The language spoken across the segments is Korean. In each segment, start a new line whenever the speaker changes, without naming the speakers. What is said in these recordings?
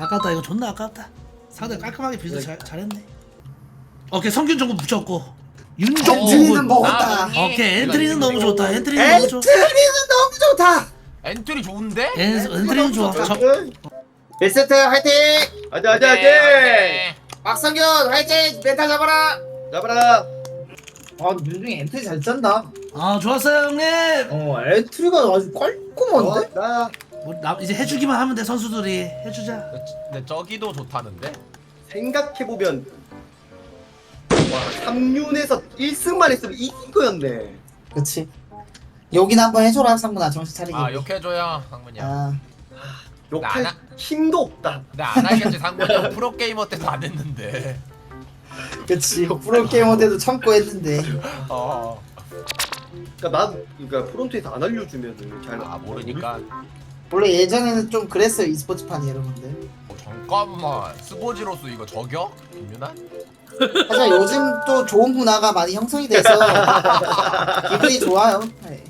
아깝다. 이거 존나 아깝다. 상대 깔끔하게 빌드 잘했네. 오케이 성균 정군 붙였고 윤종군
엔트리는 먹었다.
오케이 엔트리는 너무 좋다. 엔트리는 너무 좋아.
엔트리는 너무 좋다.
엔트리 좋은데?
엔트리는 좋아.
1세트 화이팅!
화이팅!
박성균 화이팅! 멘탈 잡아라!
잡아라.
아 윤중이 엔트리 잘 짠다.
아 좋았어요 형님.
엔트리가 아주 깔끔한데?
나
이제 해주기만 하면 돼. 선수들이 해주자.
근데 저기도 좋다는데?
생각해보면 와 3륜에서 1승만 했으면 이긴 거였네.
그치. 여긴 한번 해줘라 상문아 정신 차리게.
아 욕해줘야 상문이야.
아,
욕할
나-
힘도 없다.
근데 안 하겠지 상문이 형 프로게이머 때도 안 했는데.
그치. 프로게이머 때도 참고 했는데.
어.
그러니까 프론트에서 안 알려주면은 잘.
아 모르니까.
원래 예전에는 좀 그랬어요 e스포츠판이 여러분들.
잠깐만 스포지로서 이거 저격? 김윤아?
하지만 요즘 또 좋은 문화가 많이 형성이 돼서 기분이 좋아요. 네.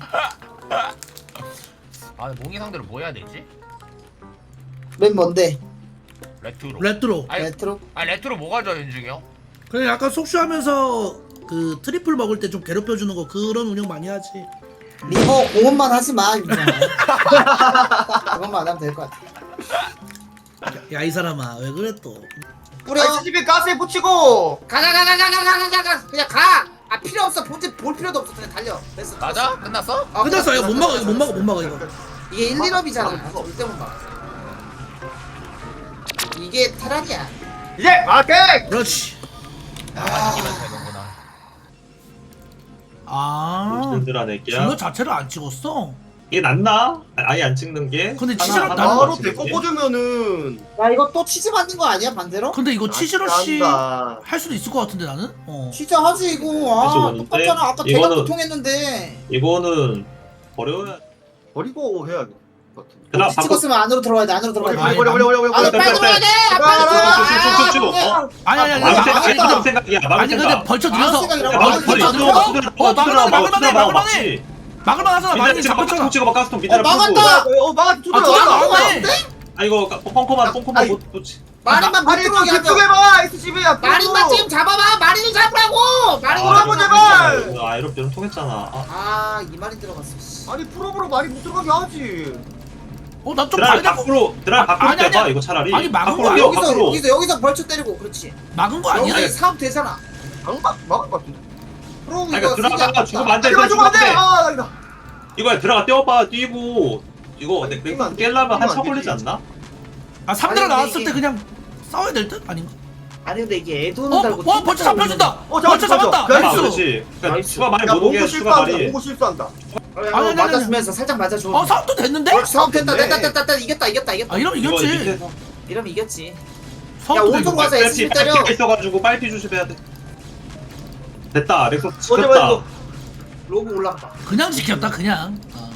아 근데 몽이 상대로 뭐 해야 되지?
맨 뭔데?
레트로.
레트로.
아니,
레트로?
레트로 뭐가 져 윤중이 형?
그래 약간 속쇼하면서 그 트리플 먹을 때 좀 괴롭혀주는 거 그런 운영 많이 하지.
리버 공원만 하지 마 윤정아. 그것만 안 하면 될 것 같아.
야 이 사람아 왜 그래 또.
뿌려.
SCP 가스에 붙이고.
가가 그냥 가. 아 필요 없어. 본체 볼 필요도 없어. 그냥 달려. 됐어.
맞아? 끝났어?
끝났어. 이거 못 막아. 이거 못 막아 이거.
이게 1, 1업이잖아. 절대 못 막아. 이게 테란이야.
이제 마켓.
그렇지.
이기면 되는구나.
아.
들어낼게요.
질러 자체를 안 찍었어.
이게 낫나? 아예 안 찍는 게?
근데
하나,
치즈를
하나
나는
바로
찍는
데리고
게?
꽂으면은.
야 이거 또 치즈 맞는 거 아니야 반대로?
근데 이거 치즈러시
난다.
할 수도 있을 것 같은데 나는.
진짜 하지 이거. 아
그래서
똑같잖아. 아까
이거는-
대각도 통했는데.
이거는 버려야.
버리고 해야 돼.
그다음
혹시 찍었으면 안으로 들어가야 돼. 안으로 들어가야 돼.
아니,
버려.
안으로 빨리 들어가야 돼. 빨리 들어가.
아니
막을
아니
생각이야. 막을
아니 근데
생각.
벌쳐
막을
들여서
생각이라고.
벌쳐 들여서 막을만하잖아. 많이
밑에
잡혔잖아.
찍어봐 가스통 밑에다
막았다.
막아 두드려.
막았네.
아 이거 펑커만
아이.
못 놓지.
마린만 못
아니
들어오게 하자.
집중해봐 SCP야.
마린만 지금 잡아봐. 마린을 잡으라고. 마린
잡아보, 제발.
아 이렇게 통했잖아.
이 마린 들어갔어. 씨.
아니 프로브로 말이 못 들어가게 하지.
난 좀
드라이
다르다.
밖으로
아니,
떼봐
아니.
이거 차라리.
아니, 막은
밖으로
거야.
뛰어,
여기서
밖으로.
여기서 벌쳐 때리고 그렇지.
막은 거 아니야?
여기 사업 되잖아.
막을 것 같은데.
프로
아니
이거
그러니까 들어가 주고 만져
이거 좀 안돼. 아 이거.
이거야 들어가 뛰어봐 뛰고 이거
아니,
내
뛰면 안 돼.
깰려면
뛰면
한참
안
걸리지
되지.
않나?
아 3대로
아니,
나왔을
이게-
때 그냥 싸워야 될 듯? 아닌가?
아니 근데 이게 애도는 달고.
와 벌써 잡혀준다. 벌써
잡았어.
잡았다.
그래,
아
나이스.
그렇지. 그러니까
나이스.
추가 많이
야
못 오게
몽고
추가
실수한다.
말이.
몽고 실수한다.
아니,
맞았으면서 살짝 맞아줘.
싸움도 됐는데?
사업 됐다.
됐네.
됐다. 이겼다.
아 이러면
이거
이겼지.
밑에서
이러면 이겼지.
싸움도
오른쪽
되고.
가서
빨피
SC 때려.
있어가지고 빨피 조심해야 돼. 됐다 렉서
어제
지켰다.
말고.
로브 올라가.
그냥 지켰다 그냥.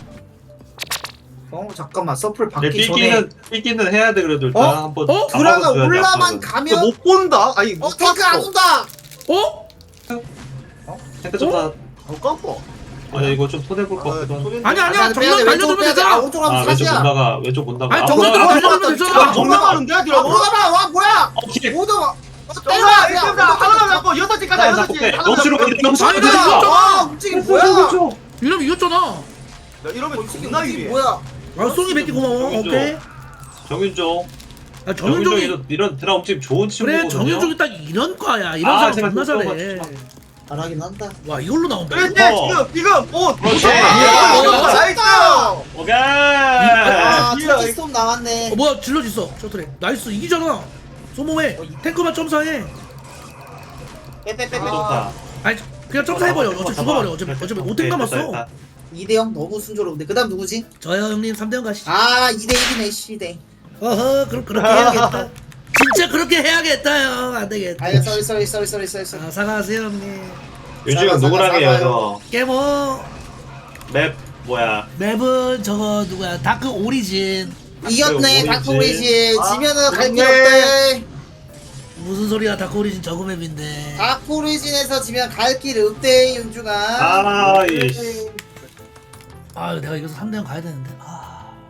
잠깐만 서플
내
받기 전에.
삐끼는 해야 돼 그래도 일단
어?
한번.
드라가
잡아줘야지,
올라만
앞으로.
가면.
못 본다. 아니 못
탱크 안
봤어.
온다.
어?
탱크 좀 다.
깜빡.
아니 이거 좀 손해볼 것 같기도 하고.
아니 아니야
빼야 돼,
정면
왼쪽으로
날려주면
빼야 돼.
되잖아.
오른쪽 가면
아 왼쪽
사시야.
본다가 왼쪽 본다가.
아니,
아,
정면
올라가.
들어가. 되잖아.
정 나가는데 뒤라고.
올라가봐. 와 뭐야?
오케이.
오더.
정말 일단 하나 잡고 6시까지
하나
6시.
잡고 빼. 영수로 영수로
아니,
들어가.
이거
와 움직임 뭐야?
이러면 이겼잖아.
이러면 존나 유리해.
뭐야?
아 송이 뱉기 고마워.
정윤종.
오케이.
정윤종.
아 정윤종이
이런 드라 움직임 좋은
그래
친구거든요.
정윤종이 딱 이런 과야. 이런
아,
사람
제발
존나
좀
잘해.
잘하긴 한다.
와 이걸로 나온다.
그런데
어.
지금 오.
그렇지.
나이스.
오케이.
아
이야,
투지스톱 나왔네.
뭐야 질러지 있어. 셔틀에. 나이스 이기잖아. 소모해. 탱크만 점사해.
빼빼빼빼.
좋다.
아니 그냥 점사해버려. 어차피 죽어버려. 어차피 5탱 남았어.
2대0 너무 순조로운데. 그다음 누구지?
저요 형님 3대0 가시죠.
2대1이네. 2대.
어허 그럼 그렇게 해야겠다. 진짜 그렇게 해야겠다 형. 안 되겠다.
아야 쏘리.
아, 사과하세요 형님.
요즘 누구랑 해요
사과요.
너?
깨모
맵 뭐야?
맵은 저거 누구야? 다크 오리진.
이겼네.
오리진.
다크 오리진.
아,
지면은 갈 길
그렇네.
없대.
무슨 소리야? 다크 오리진 저거 맵인데.
다크 오리진에서 지면 갈 길 없대 윤중아.
아 이씨.
아 내가 이겨서 3대0 가야 되는데. 아.
네.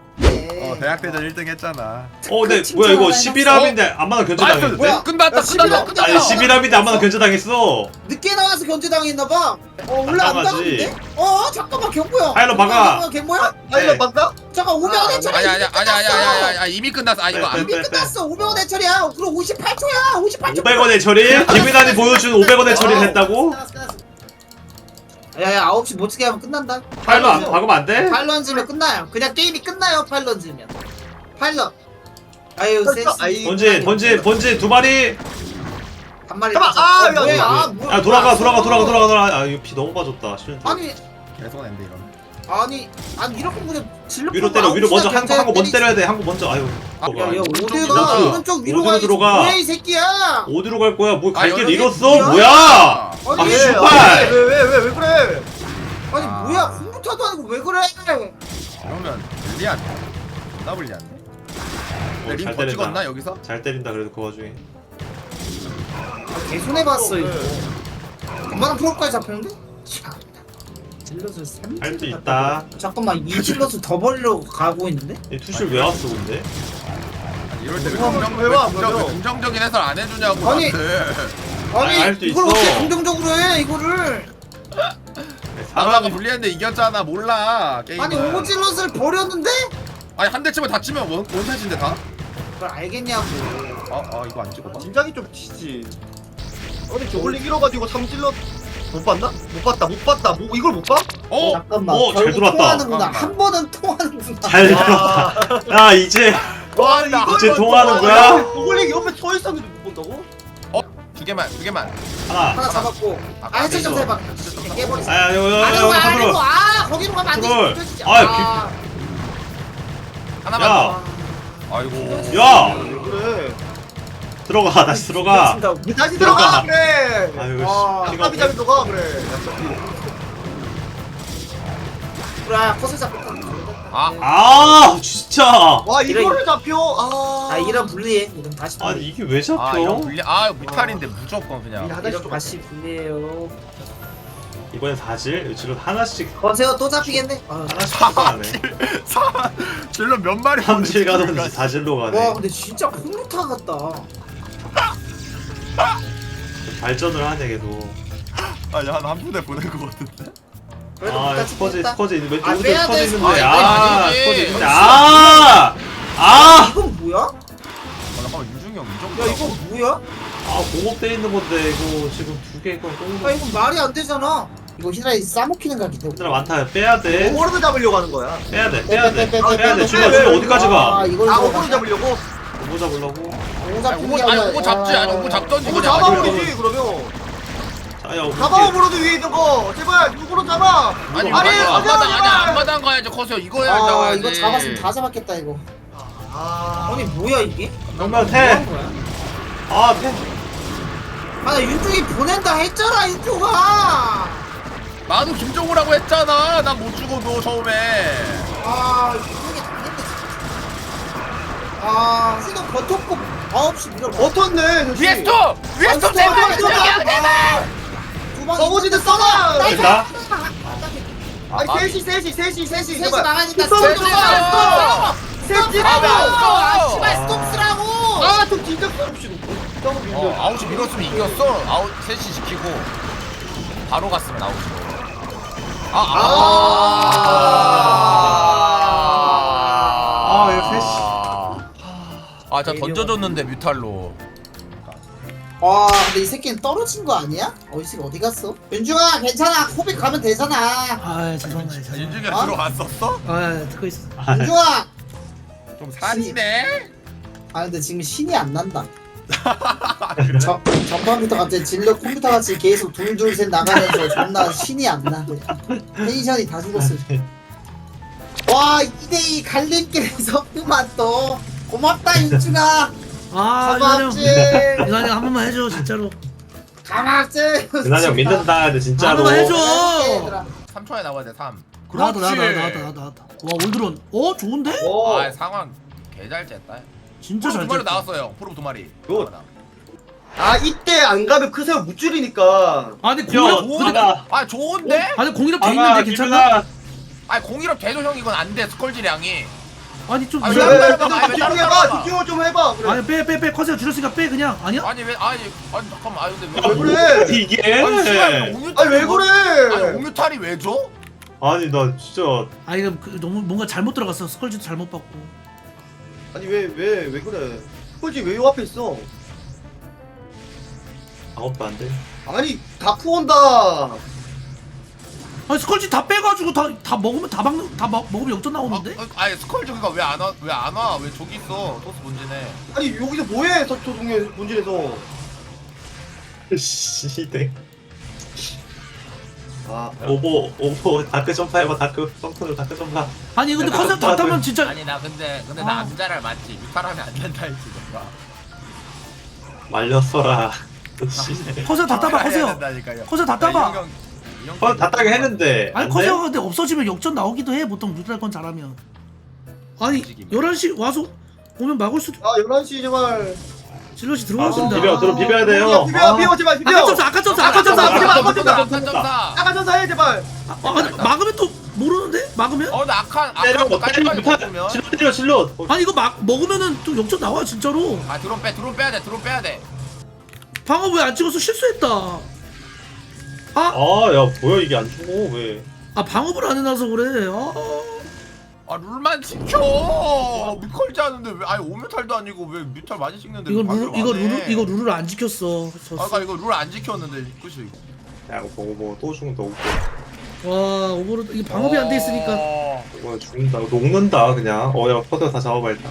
해.
대학대전 1등 했잖아.
근데 뭐야 이거 11합인데 안마나 견제당했는데?
뭐야?
끝났다
야, 11합
끝났다.
아니 11합인데 안마나 견제당했어.
늦게 나와서 견제당했나봐. 원래 안
당하지.
당하는데? 잠깐만 경보야.
파일럿 막아.
경보야?
파일럿 막나?
잠깐 500원 해처리야.
아니야 이미 끝났어. 아 이거
이미 끝났어. 500원 해처리야. 그럼 58초야. 58초.
500원의 처리? 김민환이 보여준 500원의 처리를 했다고?
끝났어. 야야 9시 못 치게 하면 끝난다.
파일럿 안 박으면 안 돼?
파일럿 지면 끝나요. 그냥 게임이 끝나요. 파일럿 지면. 파일럿. 아유 센스.
본진 두 마리.
한 마리.
잠깐만,
뭐야?
야 돌아가. 아 이거 피 너무 빠졌다.
아니
계속 낸데 이러면.
아니 이렇게 그냥 질러.
위로 때려. 위로 먼저 한 거 먼저 때려야 돼. 한 거 먼저. 아유.
야야
오른쪽.
어디가 오른쪽 위로
어디로
가.
들어가?
뭐야 이 새끼야?
어디로 갈 거야? 뭐 갈 길
여기
잃었어?
뭐야?
뭐야? 아
아니
슈발.
왜 그래?
아니 뭐야 컴퓨터도 아니고 왜 그래?
그러면 불리한데. 나 불리한데.
잘
링더
때린다.
찍었나 여기서?
잘 때린다 그래도 그 와중에.
개손해봤어 이거. 금방 프로까지 잡혔는데? 참. 질럿을 3.
할 수 있다.
잠깐만 이 질럿을 더 벌리러 가고 있는데?
이 투실 왜 왔어 근데?
아니, 이럴 때
왜 와?
긍정적인 해설 안 해주냐고
아니.
나한테.
아니
할 수
이걸
있어.
어떻게 긍정적으로 해 이거를?
나라가 불리했는데 이겼잖아 몰라 게임은.
아니 오질럿을 버렸는데?
아니 한 대 치면 다 치면 원샷인데 다?
그걸 알겠냐고.
이거 안 찍어봐.
진작이 좀 치지. 아니 저걸리 잃어가지고 삼질럿 못 봤나? 못 봤다. 뭐 이걸 못 봐?
잠깐만
잘
결국
들어왔다.
통하는구나.
잠깐만.
한 번은 통하는구나.
잘 들었다. 야 이제
와 이걸
이제
못
통하는
봐.
거야?
저걸리 옆에 서 있었는데 못 본다고?
두 개만.
하나.
하나 잡았고. 해체 좀 해봐. 깨버리자.
아야
아니고
이거
아니고 거기로 가면 안
컨트롤.
되지. 진짜.
아,
하나만
야.
더. 아이고.
야
왜 그래?
들어가 다시 들어가.
다시
들어가.
들어가 그래.
아이고
아,
씨. 피가
아까비 잡이 너가 그래.
그래 컷을 잡혔다.
아 진짜.
와 이거를 잡혀.
이런 불리해. 이런 다시 불리.
아니 이게 왜
이런
잡혀?
불리. 무탈인데 무조건 그냥.
이런 다시 불리해요.
이번엔 사질 지금 하나씩
거세요 또 잡히겠네.
하나씩 가네.
질러 몇 마리
삼질 가던지 사질로
와
가네.
근데 진짜 컴퓨터 같다.
발전을 하네 걔도.
아니 한 부대 보낸 거 같은데.
그래도
아
끝까지
스퍼지
뺐다.
스퍼지 있는 왼쪽
아,
오른쪽
빼야
스퍼지
돼.
있는데
아,
아
아니지.
스퍼지 있는데
아 이건 뭐야?
잠깐만 윤중이 형
야
무조건.
이거 뭐야?
아 공업돼 있는 건데 이거 지금 두 개 건 똥.
야 이건 말이 안 되잖아. 이거 히드라이 싸먹히는 각이 돼.
얘들아 많다 빼야 돼.
오버로드 잡으려고 하는 거야.
빼야 돼.
빼.
주가 어디까지 가?
이걸
오버로드 잡으려고.
뭐 잡으려고?
오고 잡지 아니 오고 잡던지
오버
그냥.
잡아버리지 그러면.
자야
잡아 오버로드 위에 있는 거. 제발 누구로 잡아.
아니
아니,
앞마당 가야지 커서 이거 해야 잡아야지.
이거 잡았으면 다 잡았겠다 이거. 아니 뭐야 이게?
정말
뭐
태.
하는 거야?
아 태.
아나 윤중이 보낸다 했잖아 윤중아.
나도 김정우라고 했잖아. 난 못 죽어도 처음에.
윤중이 당했네 진짜. 지금 버텼고 9시 밀어.
버텼네.
위에 스톱! 위에 스톱 제발!
서버지드 써봐.
됐다.
아니 셋이.
셋이
제발.
나가야 된다.
스톱,
스톱
스톱,
쓰라고.
스톱.
스톱 쓰라고.
아,
씨발 스톱 쓰라고.
좀 진짜 없이 너무 밀려.
아웃이 밀었으면 이겼어. 아웃 셋이 지키고 바로 갔으면 아웃이고.
이거 셋이.
저 던져줬는데 뮤탈로.
와 근데 이 새끼는 떨어진 거 아니야? 이 새끼 어디 갔어? 윤중아 괜찮아 코빅 가면 되잖아.
아 죄송합니다.
윤중이
어?
들어왔었어?
아 듣고 있어.
윤중아.
좀 산이네.
근데 지금 신이 안 난다. 전반부터 갑자기 질러 컴퓨터 같이 계속 둘둘셋 나가면서 존나 신이 안 나. 텐션이 다 죽었어. 와 2대2 갈림길에서 그만 또 고맙다 윤중아.
이난이
가맙지.
형 한 번만 해줘 진짜로.
가맙지.
대단히 형 믿는다 근데
한
진짜로.
번만 해줘.
3초에 나와야 돼 3.
나왔다. 와 올드론. 좋은데?
상황 개잘 쨌다.
진짜
프로
잘
두 마리
쳤다.
나왔어요. 프로 2마리.
굿. 이때 안 가면 크세요 못 줄이니까.
아니
야
공이력
좋은데?
아니 공이력 돼 있는데 괜찮나?
공이력 돼도 형 이건 안 돼. 스컬지량이.
아니 좀
아니,
이상-
왜-
집중해봐 집중을 좀 해봐 그래
아니 빼 커세어 줄였으니까 빼 그냥 아니야?
아니 왜 아니 잠깐만 아니 근데
왜 그래
이게?
아니 씨발 옥뮤탈
아니 왜
아니
그래
옥뮤탈이 왜 줘?
아니 나 진짜
아 이거 너무 뭔가 잘못 들어갔어. 스컬지도 잘못 받고.
아니 왜 그래 스컬지 왜 요 앞에 있어
작업도 안 돼.
아니 다크 온다
아니 스컬지 다 빼가지고 다 먹으면 먹으면 역전 나오는데?
아니 스컬 저기가 왜 안 와? 왜 저기 있어? 토스 본진에.
아니 여기서 뭐해 서초동에 본질에서
시대.
아
오버 다크 점프 해봐. 다크 점프로 다크 점프.
아니 근데 컨셉 다 타면 진짜
아니 나 근데
아.
나 암자를 맞지. 뮤탈하면 안 된다 했지 내가.
말렸어라. 시대.
컨셉 다 따봐
해야
커세요.
된다니까요.
커세어 다 따봐.
다 따게 했는데.
아니
안
커세어가
돼?
근데 없어지면 역전 나오기도 해. 보통 뮤탈 건 잘하면. 아니
움직임.
11시 와서 오면 막을 수도.
아 11시 제발
질럿이 들어왔습니다.
비벼야 돼요.
비벼 제발 비벼
아까 점사.
아까 전사해 제발
아니, 막으면 또 모르는데? 막으면?
나 악한
때려
깔끔하게 먹으면.
실로 때려 실로.
아니 이거 먹으면은 또 역전 나와 진짜로.
아 드론 빼야 돼.
방어 왜 안 찍어서 실수했다. 아
아야 뭐야 이게 안 죽어 왜?
방어를 안 해놔서 그래.
아 룰만 지켜. 미컬지 하는데 왜 아니 오뮤탈도 아니고 왜 뮤탈 많이 찍는데
이거
왜 방어를 안 해?
이거 룰을 안 지켰어.
아까 이거 룰 안 지켰는데 그치?
야 오버 또 죽는다 오버.
와 오버로드 이게 방어이 안 돼 있으니까.
오버 죽는다. 녹는다 그냥. 어야 퍼드 다 잡아봐 일단.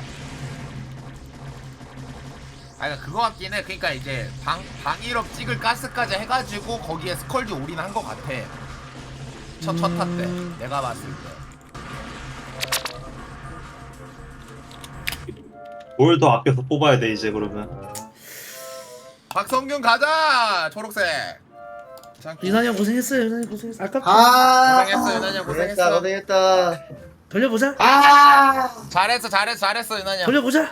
아니 그거 같긴 해. 그러니까 이제 방일업 찍을 가스까지 해가지고 거기에 스컬지 올인한 거 같아. 첫 타 때 내가 봤을 때.
뭘 더 아껴서 뽑아야 돼 이제 그러면.
박성균 가자 초록색.
유난히 형 고생했어요. 유난히 고생했어. 아깝다.
고생했어 유난이 형
고생했다
고생했어.
고생했다
돌려보자.
잘했어 유난이 형.
돌려보자.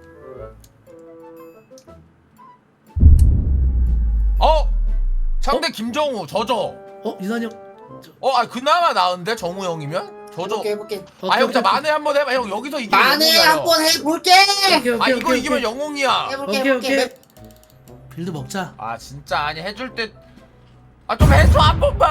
상대 김정우 저저.
유난히 형.
그나마 나은데 정우 형이면 저저.
해볼게.
형 진짜 만회 한번 해봐. 형 여기서 이기면
만에
영웅이야,
한번 해볼게.
형. 이거 이기면 영웅이야.
해볼게.
빌드 먹자.
진짜 아니 해줄 때. 좀 해줘 한 번만.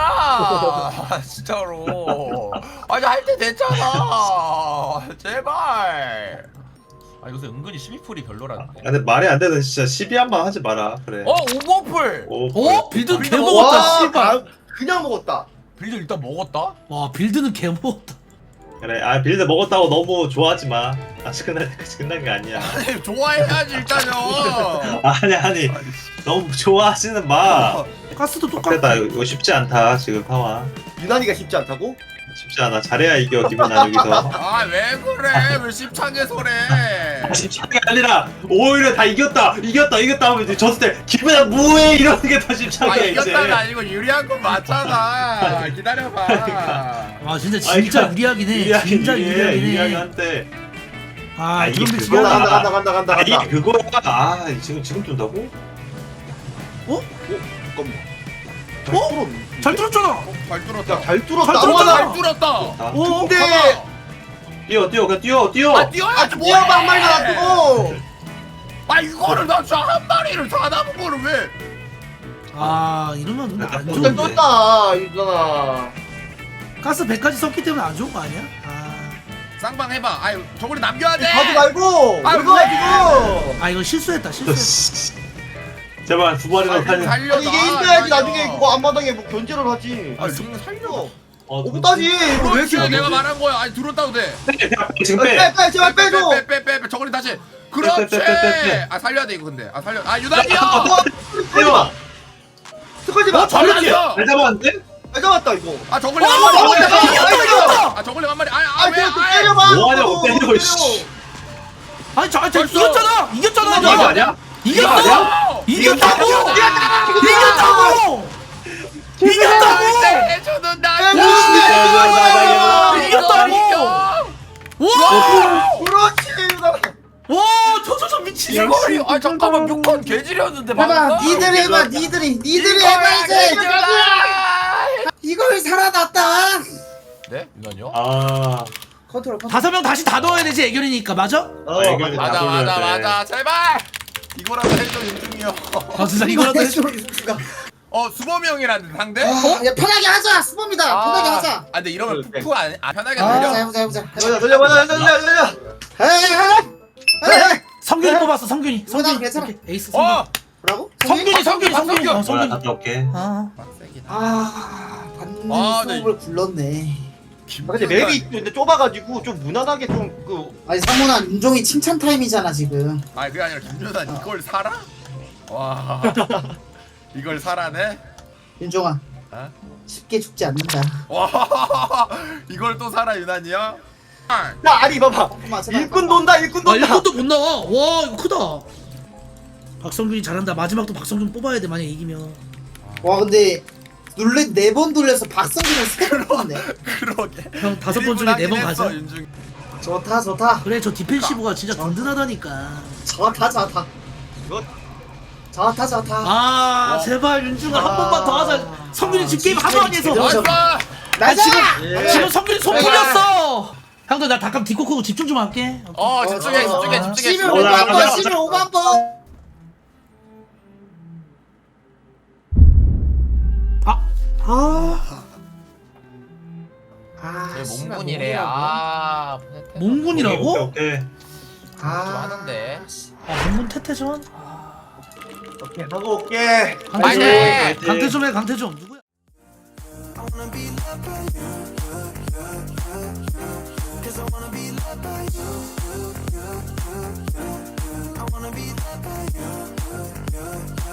진짜로. 할 때 됐잖아. 제발. 요새 은근히 12풀이 별로라는데.
야, 근데 말이 안 되는 진짜 12한번 하지 마라 그래.
오버풀.
빌드 개
와,
먹었다. 씨발.
그냥 먹었다
빌드 일단 먹었다.
와 빌드는 개 먹었다.
그래 빌드 먹었다고 너무 좋아하지 마. 아직 끝날 때까지 끝난 게 아니야.
아니 좋아해야지 일단요.
아니 너무 좋아하지는 마.
가스도
됐다
똑같다.
이거 쉽지 않다 지금 상황.
유난히가 쉽지 않다고?
쉽지 않아. 잘해야 이겨 기분아 여기서.
왜 그래? 왜 씹창에 소래?
쉽지 않은 게 아니라 오히려 다 이겼다 하면 이제 졌을 때 기분아 뭐해 이러는 게 더 쉽지 않게 이제.
이겼다가 아니고 유리한 건 맞잖아. 기다려봐.
와 진짜 유리하긴 해. 진짜 유리하긴
유리하긴
해.
한데.
그런데
이게
지금
그거야.
간다
이게 그거야. 지금 뜬다고?
잘 들었잖아.
잘 뚫었다.
잘 뚫었다
잘 뚫었다.
잘 뚫었다.
근데
뛰어 그냥 뛰어.
뛰어야지 뭐해?
뛰어봐 한 마리가 놔두고
이거를 나 진짜 한 마리를 다 남은 거를 왜?
이러면 근데 안
진짜
좋은데.
떴다 유전아
가스 100까지 썼기 때문에 안 좋은 거 아니야?
쌍방 해봐. 저걸 남겨야 돼.
가지 말고
아,
이거
왜?
지금
이거 실수했다.
제발 두 마리나 살려.
살려.
이게 있어야지 나중에 그거 앞마당에 뭐 견제를 하지
지금 살려.
없다지 이거 왜 이렇게
내가 말한 거야. 들어왔다고 돼.
지금 빼.
빼 제발 빼줘
빼. 저걸 다시. 그렇지.
빼.
살려야 돼 이거 근데. 살려. 유난이야.
빼봐.
스컬지 마
잘했어.
잘 잡았는데?
잘 잡았다 이거
저걸링 한 마리.
이겼다.
저걸링 한 마리.
그냥 때려봐
뭐하냐고 때리고 씨.
이겼잖아. 이겼잖아.
이거 아니야?
이겼어. 이겼다고.
해주는 나.
이겼다고. 와.
그렇지 유전아
와, 저 미친.
이거리. 잠깐만 6건 개질이었는데
해봐. 니들이 해봐. 니들이 해봐 이제. 이걸 살아났다.
네? 유난이요?
컨트롤.
5명 다시 다 넣어야 되지 애결이니까 맞아?
애결이
맞아
다
맞아
돌려야 돼.
맞아 제발 이거라도 해줘 윤중이 형.
아 진짜 이거라도 해줘.
수범이 형이라는 상대?
야 편하게 하자. 수범이다. 편하게 하자.
아 근데 이러면
그래.
푸푸 안 편하게
아.
들려.
해보자.
돌려.
에이.
성균이 뽑았어 성균이.
성균아, 괜찮아.
오케이, 에이스 성균.
뭐라고?
성균이.
성균.
성균이.
갔다 올게.
아.
빡세긴
받는
아, 네.
수업을 굴렀네.
근데 맵이 근데 좁아가지고 좀 무난하게
아니 상문아 윤종이 칭찬 타임이잖아 지금.
아 그게 아니라 김준환 이걸 살아? 와 이걸 살아네?
윤종아
어?
쉽게 죽지 않는다.
와 이걸 또 살아 유난이야?
야 아니 봐봐
제발.
일꾼 돈다
아 1분도 못 나와. 와 이거 크다. 박성균이 잘한다. 마지막도 박성균 뽑아야 돼 만약 이기면.
와 근데 룰렛 4번 돌려서 박성균을 3번 뽑네.
그러게
형 5번 중에 4번 가자.
윤중
좋다.
그래 저 디펜시브가 진짜 든든하다니까.
좋다.
이거
좋다.
아 제발 윤중아 한 번만 더 하자. 성균이 지금 게임 하도 안 해서.
제대로
나이스!
나이스!
지금 성균이 손 풀렸어. 형들 나 잠깐 뒷코 크고 집중 좀 할게.
집중해
아.
11
올라가,
5만 번
올라가.
11 5만 번.
제
씨발,
몽군이래
몽군이라고?
몽군이라고?
오케이.
좀 하는데
아 몽군 태태전?
오케이 하고 올게
강태 좀
파이팅!
해. 강태 좀 해. 강태 좀. 누구야?
I wanna be loved by you.